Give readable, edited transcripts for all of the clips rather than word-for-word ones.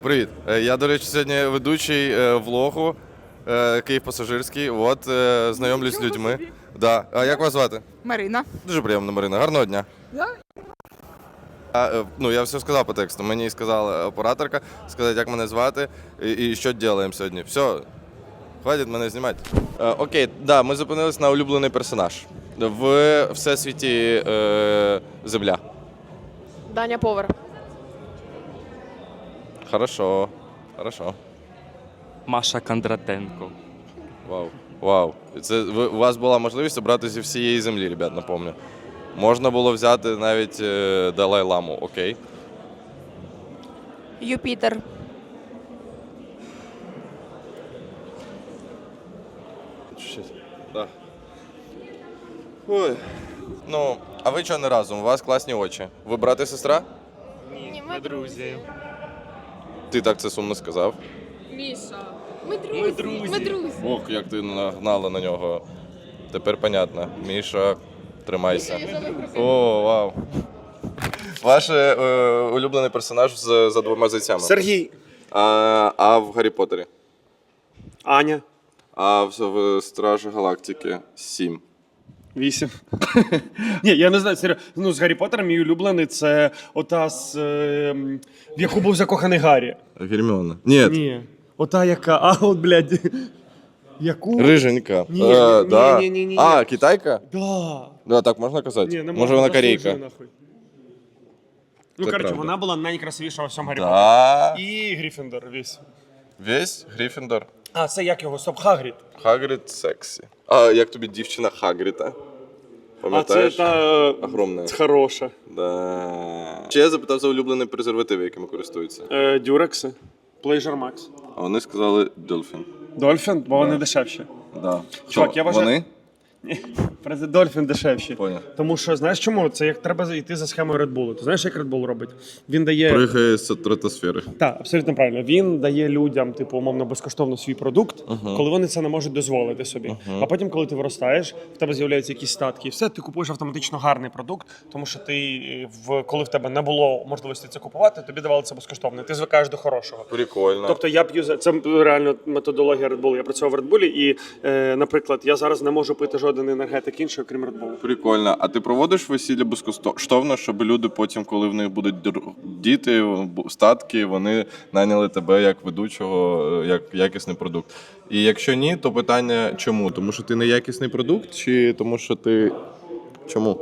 Привіт. Я, до речі, сьогодні ведучий влогу Київ пасажирський. От, знайомлюсь з людьми. Да. А як вас звати? Марина. Дуже приємно, Марина. Гарного дня. Да? Я все сказав по тексту. Мені сказала операторка, сказати, як мене звати і що робимо сьогодні. Все, хватить мене знімати. Окей, да, ми зупинились на улюблений персонаж. В всесвіті Земля. Даня повар. Хорошо. Маша Кондратенко. Вау. Це у вас була можливість обрати зі всієї землі, ребят, напомню. Можна було взяти навіть Далай-ламу, окей. Юпітер. Да. Ой. Ну, а ви чого не разом? У вас класні очі. Ви брат і сестра? Ні, ми друзі. Ти так це сумно сказав. Міша. Ми друзі. Ох, як ти нагнала на нього. Тепер понятно. Міша, тримайся. О, вау. Ваш улюблений персонаж за двома зайцями. Сергій. А в Гаррі Поттері? Аня. А в Стражі Галактики 7. 8. Ні, я не знаю, серйозно. Ну, з Гаррі Поттером мій улюблений це ота, в яку був закоханий Гаррі. Герміона. Ні. Ні. Ота яка, от, блядь. Яку? Риженька. Ні, Да. ні. А, китайка? Да. Да, так можна казати? Ні, не Може вона заслужує, корейка? нахуй. Ну, Це коротше, правда. вона була найкрасивіша у всьому Гаррі Поттері. Да. І Гріфіндор весь. Весь Гриффіндор. А, це як його? Стоп, Хагрід. Хагрід сексі. А як тобі дівчина Хагріта? А Пам'ятаєш? це та... Огромна. Хороша. Да. Ще я запитав за улюблений презерватив, якими користуються. Дюрекси. Pleasure Max. А вони сказали Dolphin. Дольфін, бо вони дешевші. Да. Чувак, Що, я вважаю- Вони? Дольфін дешевші. Поняв. Тому що, знаєш чому? Це як треба йти за схемою Red Bull. Ти знаєш, як Red Bull робить? Він дає... Пригає з стратосфери. Так, абсолютно правильно. Він дає людям, типу, умовно, безкоштовно свій продукт, коли вони це не можуть дозволити собі. А потім, коли ти виростаєш, в тебе з'являються якісь статки, і все, ти купуєш автоматично гарний продукт, тому що ти, коли в тебе не було можливості це купувати, тобі давали це безкоштовно. І ти звикаєш до хорошого. Прикольно. Тобто я п'ю це реально методологія Red Bull. Я працював в Red Bull і, наприклад, я зараз не можу пити жоден енергетик інший, окрім Red Bull. Прикольно. А ти проводиш весілля безкоштовно, щоб люди потім, коли в них будуть діти, статки, вони наняли тебе як ведучого, як якісний продукт. І якщо ні, то питання чому? Тому що ти не якісний продукт, чи тому що ти... Чому?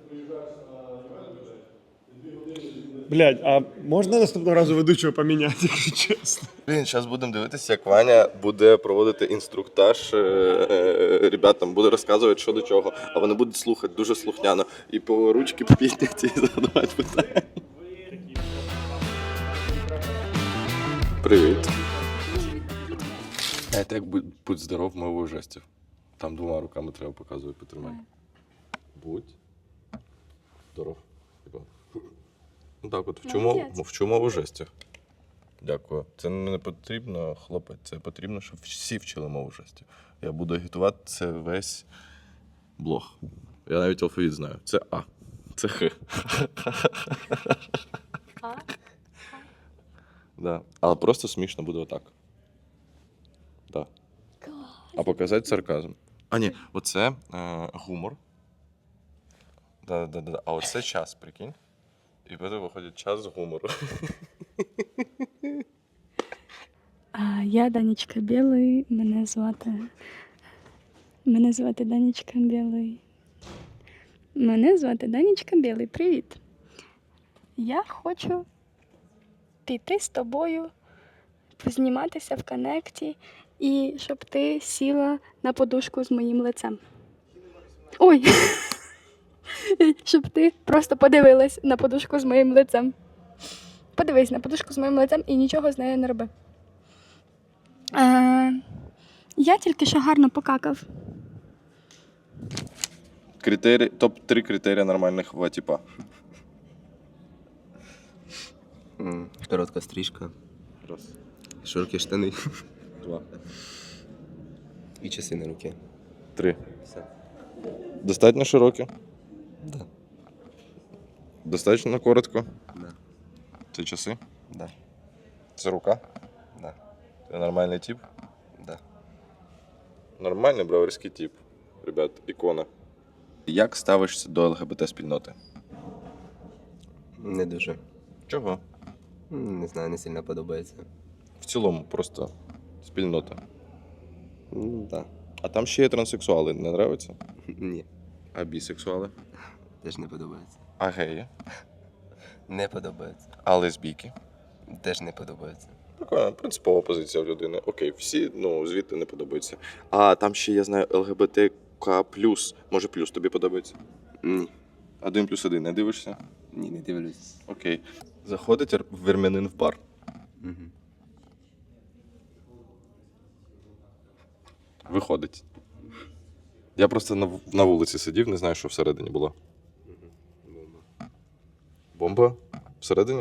Блядь, а можна наступного разу ведучого поміняти, якщо чесно? Блін, зараз будемо дивитися, як Ваня буде проводити інструктаж ребятам, буде розказувати, що до чого, а вони будуть слухати дуже слухняно. І по ручки підняті і задавати питання. Привіт. Це як будь здоров мовою жестів. Там двома руками треба показувати, потримай. Будь здоров. Ну так от, вчу мову жестів. Дякую. Це не потрібно, хлопець, це потрібно, щоб всі вчили мову жестів. Я буду агітувати це весь блог. Я навіть алфавіт знаю. Це А. Це Х. А? Да. Але просто смішно буде отак. Да. А показати сарказм. А ні, оце гумор. Да. А оце час, прикинь. І потім виходить час з гумору. Я Данечка Білий, мене звати Данечка Білий. Мене звати Данечка Білий. Привіт. Я хочу піти з тобою, позніматися в коннекті і щоб ти сіла на подушку з моїм лицем. Ой! Щоб ти просто подивилась на подушку з моїм лицем. Подивись на подушку з моїм лицем і нічого з нею не роби. Я тільки що гарно покакав. Топ-3 критерії нормального типа. Коротка стрижка, Раз. широкі штани Два. і часи на руки. 3. Все. Достатньо широке? Да. Достатньо коротко? Да. Це часи? Да. Це рука? Да. Ти нормальний тип? Да. Нормальний броварський тип. Ребят, ікона. Як ставишся до ЛГБТ-спільноти? Не дуже. Чого? Не знаю, не сильно подобається. В цілому, просто спільнота. Да. А там ще є транссексуали, не нравиться? Ні. А бісексуали? Теж не подобається. А геї? Не подобається. А лесбійки? Теж не подобається. Прикольно, принципова позиція в людини. Окей, всі, звідти не подобаються. А там ще, я знаю, ЛГБТК+. Може, плюс тобі подобається? Ні. 1+1, не дивишся? Ні, не дивлюсь. Окей. Заходить вірмянин в бар. Угу. Виходить. Я просто на вулиці сидів, не знаю, що всередині було. Бомба? Всередині?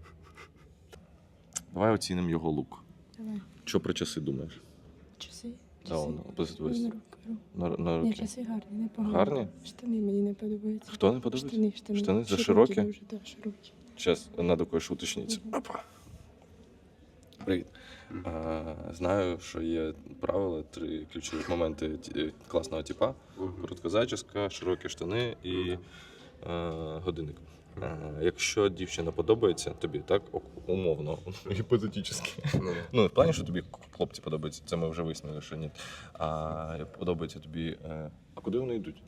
Давай оцінимо його лук. Давай. Що про часи думаєш? Часи? Да, он позитивist. На руки. На Ні, руки. часи гарні, непогані. Гарні? Штани мені не подобаються. Хто не подобається? Штани. Штани за широкі? Дуже, да, широкі. Зараз треба кое-що уточнити. Опа. Привіт. Знаю, що є правила, 3 ключові моменти класного типа. Коротка зачіска, широкі штани і годинник. Якщо дівчина подобається тобі, так, умовно, гіпотетично. Ну, в плані, що тобі хлопці подобаються, це ми вже вияснили, що ні. А подобається тобі. А куди вони йдуть?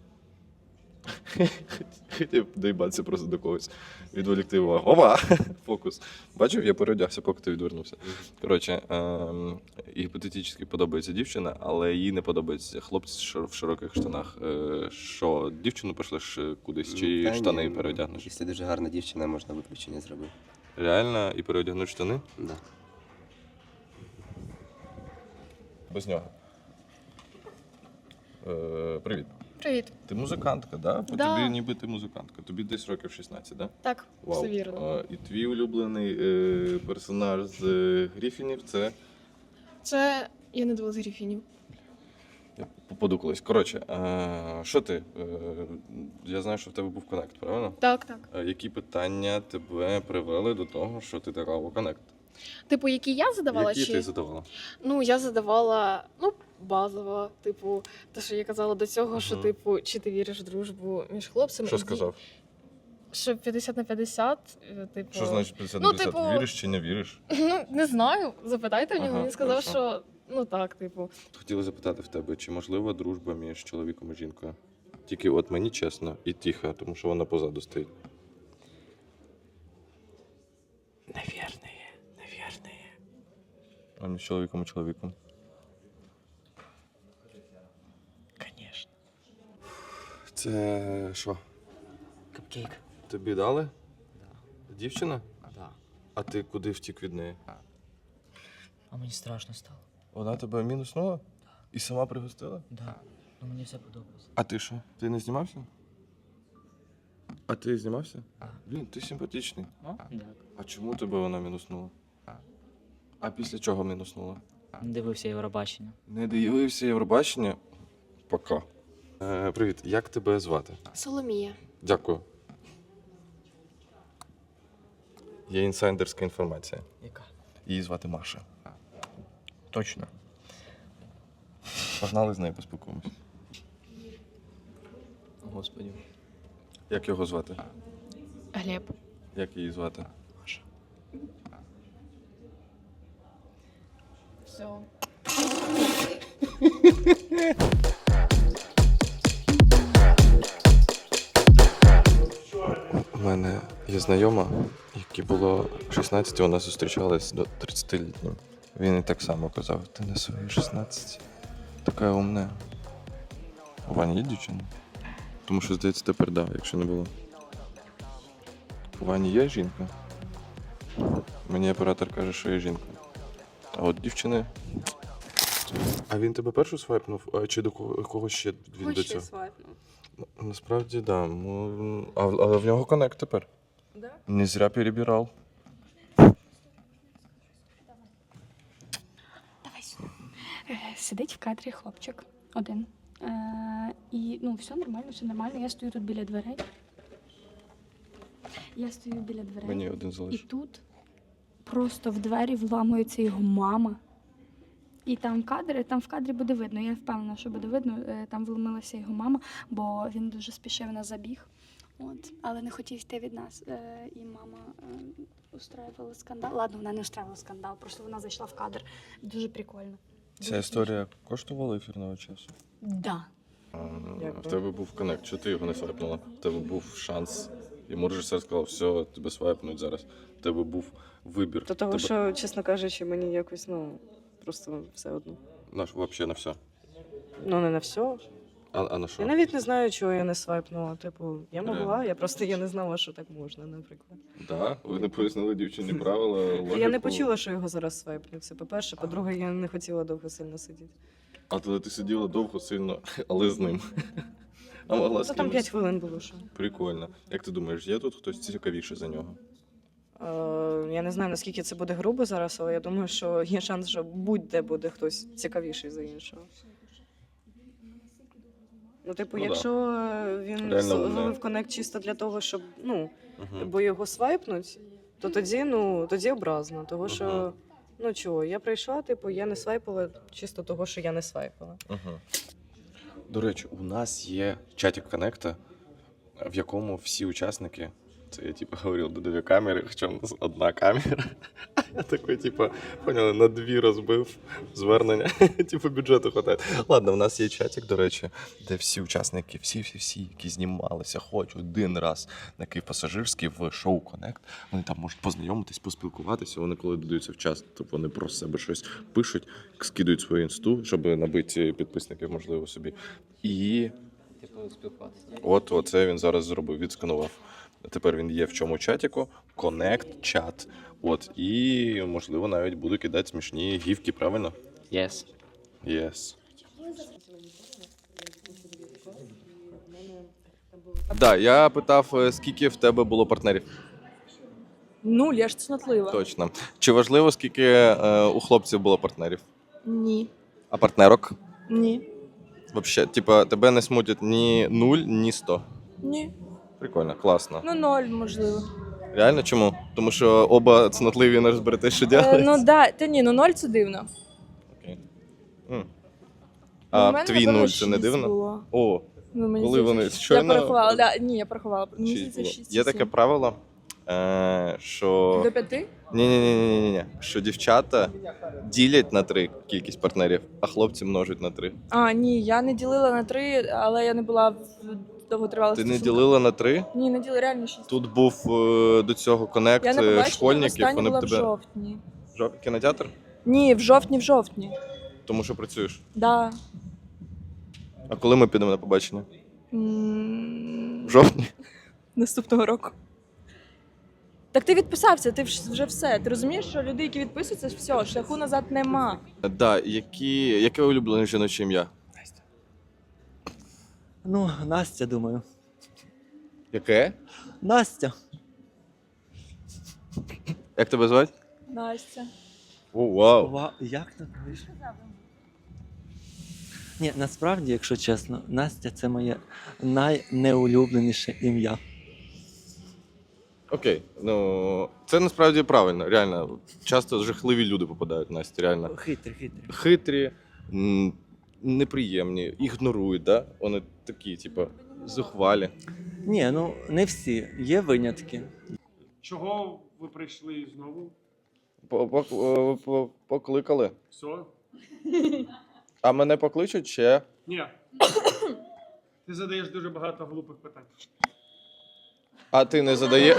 Хотів доїбатися просто до когось. Відволікти увагу. Опа! Фокус. Бачив, я переодягся, поки ти відвернувся. Коротше, гіпотетично подобається дівчина, але їй не подобаються хлопці в широких штанах. Що, дівчину пошлеш кудись, чи Та штани ні, переодягнеш? Якщо дуже гарна дівчина, можна виключення зробити. Реально? І переодягнути штани? Да. Без нього. Привіт. Привіт. Ти музикантка, да? По Да. тобі ніби ти музикантка. Тобі десь років 16, да? Так, все вірно. І твій улюблений персонаж з Гріфінів це. Це я не дивилась Гріфінів. Я попаду колись. Коротше, що ти? Я знаю, що в тебе був коннект, правильно? Так. Які питання тебе привели до того, що ти така у коннект? Типу, які я задавала? Які чи... ти задавала? Ну, я задавала, базово, типу, те, що я казала до цього, що, типу, чи ти віриш в дружбу між хлопцями. Що і сказав? Що 50 на 50, типу. Що значить 50 Ну, 50? типу- Віриш чи не віриш? Ну, не знаю, запитайте в нього, Ага, він сказав, хорошо. що, так, типу. Хотіли запитати в тебе, чи можлива дружба між чоловіком і жінкою? Тільки от мені чесно і тихо, тому що вона позаду стоїть. Наверное. А між чоловіком і чоловіком? Конечно. Це що? Капкейк. Тобі дали? Дівчина? Да. А ти куди втік від неї? А мені страшно стало. Вона тебе мінуснула? І сама пригостила? Да. Ну мені все подобається. А ти що? Ти не знімався? А ти знімався? А. Блін, ти симпатичний. Так. А чому тебе вона мінуснула? А після чого мінуснула? Дивився Євробачення. Не дивився Євробачення? Пока. Привіт, як тебе звати? Соломія. Дякую. Є інсайдерська інформація. Яка? Її звати Маша. Точно. Погнали з нею поспілкуємось. Господи. Як його звати? Глеб. Як її звати? Все. У мене є знайома, якій було 16, вона зустрічалась до 30-літнім. Він і так само казав, ти на свої 16. Така умна. У Вані є дівчина? Тому що, здається, тепер да, якщо не було. У Вані є жінка? Мені оператор каже, що є жінка. А от дівчини. А він тебе першу свайпнув? А чи до когось ще він до цього? Насправді, так. Да. Але в нього коннект тепер. Да? Не зря перебирав. Сидить в кадрі хлопчик один. І все нормально. Я стою тут біля дверей. Мені один І залишив. тут просто в двері вламується його мама. І там в кадрі буде видно, я впевнена, що буде видно, там вломилася його мама, бо він дуже спішив на забіг. От, але не хотів йти від нас. І мама устраювала скандал. Ладно, вона не устраювала скандал, просто вона зайшла в кадр. Дуже прикольно. Ця історія коштувала ефірного часу? Да. В тебе був коннект, чого ти його не свайпнула? В тебе був шанс. Йому режисер сказав, все, тебе свайпнуть зараз. В тебе був вибір. До того, що, чесно кажучи, мені якось, просто все одно. Взагалі на все. Ну, не на все. А на що? Я навіть не знаю, чого я не свайпнула. Типу, я могла, Реально? я просто не знала, що так можна, наприклад. Да? Ви не пояснили дівчині правила, логіку. Я не почула, що його зараз свайпнуть. Це по-перше. По-друге, я не хотіла довго сильно сидіти. А тоді ти сиділа довго, сильно, але з ним. А могла з Це там кимось. 5 хвилин було, що. Прикольно. Як ти думаєш, є тут хтось цікавіший за нього? Я не знаю, наскільки це буде грубо зараз, але я думаю, що є шанс, що будь-де буде хтось цікавіший за іншого. Ну, типу, Ну, якщо він Реально зловив коннект чисто для того, щоб, Угу. бо його свайпнуть, то тоді образно. Того, що, чого, я прийшла, типу, я не свайпала чисто того, що я не свайпала. Угу. До речі, у нас є чатик коннекта, в якому всі учасники, це я говорив, до 2 камери, хоча у нас 1 камера. Я такий, поняли, на 2 розбив звернення, бюджету хватає. Ладно, у нас є чатик, до речі, де всі учасники, всі, які знімалися, хоч 1 раз на Київ-Пасажирський в шоу Коннект, вони там можуть познайомитись, поспілкуватися, вони коли додаються в час, то вони про себе щось пишуть, скидують свою інсту, щоб набити підписників, можливо, собі. І Типу, спілкуватися. от оце він зараз зробив, відсканував. Тепер він є в чому чатіку, Connect чат. От, і, можливо, навіть буду кидати смішні гівки, правильно? Yes. Yes. Да, я питав, скільки в тебе було партнерів. 0, я ж цнотлива. Точно. Чи важливо, скільки у хлопців було партнерів? Ні. А партнерок? Ні. Вообще, тебе не смутять ні 0, ні 100. Ні. Прикольно, класно. Ну, 0, можливо. Реально чому? Тому що оба цнотливі не розберете, що робити? Ну, да. Та ні, 0 це дивно. Окей. Ну, А в мене, твій напевно, 0 це не 6 дивно? було. О, Ну, мені коли здається, вони що- щойно- Я порахувала, да. Ні, я порахувала. Мені 6 здається, було. 6 Є таке правило, що... До 5? Ні. Що дівчата ділять на 3 кількість партнерів, а хлопці множать на 3. А, ні, я не ділила на 3, але я не була в довготривалих Ти не стосунках. ділила на 3? Ні, не ділила, реально 6. Тут був до цього коннект Я на побаченні школьників, останнє вони б була в тебе... жовтні. Кінотеатр? Ні, в жовтні. Тому що працюєш. Да. А коли ми підемо на побачення? М, В жовтні? Наступного року. Так ти відписався, ти вже все. Ти розумієш, що люди, які відписуються, все, шляху назад нема. Да, яке улюблене жіноче ім'я? Ну, Настя, думаю. Яке? Настя. Як тебе звати? Настя. О, вау. Як так вийшло? Ні, насправді, якщо чесно, Настя це моє найнеулюбленіше ім'я. Окей, ну це насправді правильно, реально. Часто жахливі люди попадають в Насті, реально. Хитрий. Хитрі, неприємні, ігнорують, да? Вони такі, зухвалі. Ні, ну не всі. Є винятки. Чого ви прийшли знову? Покликали. Все? А мене покличуть ще? Ні. Ти задаєш дуже багато глупих питань. А ти не задаєш?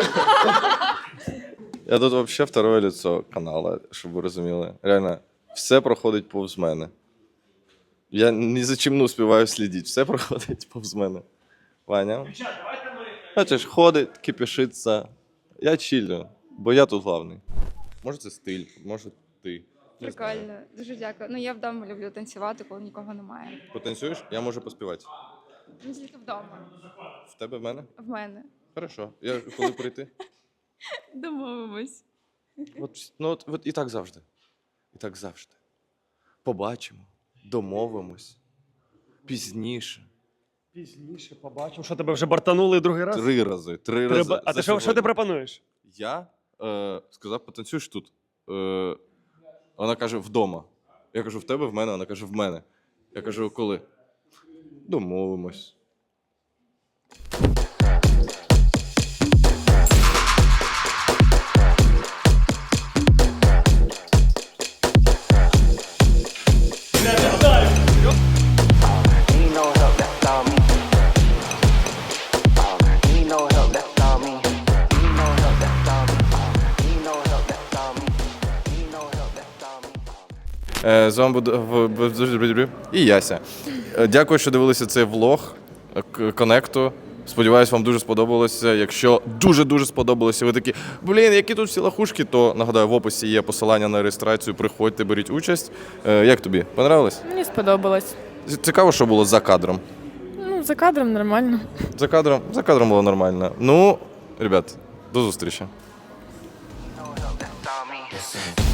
Я тут взагалі второе лицо каналу, щоб ви розуміли. Реально, все проходить повз мене. Я ні за чим не успіваю слідити, все проходить повз мене. Ваня? Бачиш, ходить, кипішиться. Я чилю, бо я тут главний. Може це стиль, може ти. Не знаю. Прикольно, дуже дякую. Ну я вдома люблю танцювати, коли нікого немає. Потанцюєш? Я можу поспівати. Ну тільки вдома. В тебе в мене? В мене. Хорошо. Я коли прийти? Домовимось. От і так завжди. І так завжди. Побачимо, домовимось. Пізніше. Пізніше побачимо, що тебе вже бартанули другий раз. 3 рази. 3 рази. А за ти що ти сьогодні. пропонуєш? Я сказав, потанцюєш тут. Вона каже, вдома. Я кажу, в тебе, в мене? Вона каже, в мене. Я кажу, коли? Домовимось. З вами буде і Яся. Дякую, що дивилися цей влог Коннекту. Сподіваюсь, вам дуже сподобалося. Якщо дуже-дуже сподобалося, ви такі, які тут всі лахушки, то, нагадаю, в описі є посилання на реєстрацію, приходьте, беріть участь. Як тобі? Понравилось? Мені сподобалось. Цікаво, що було за кадром. Ну, за кадром нормально. За кадром було нормально. Ну, ребят, до зустрічі.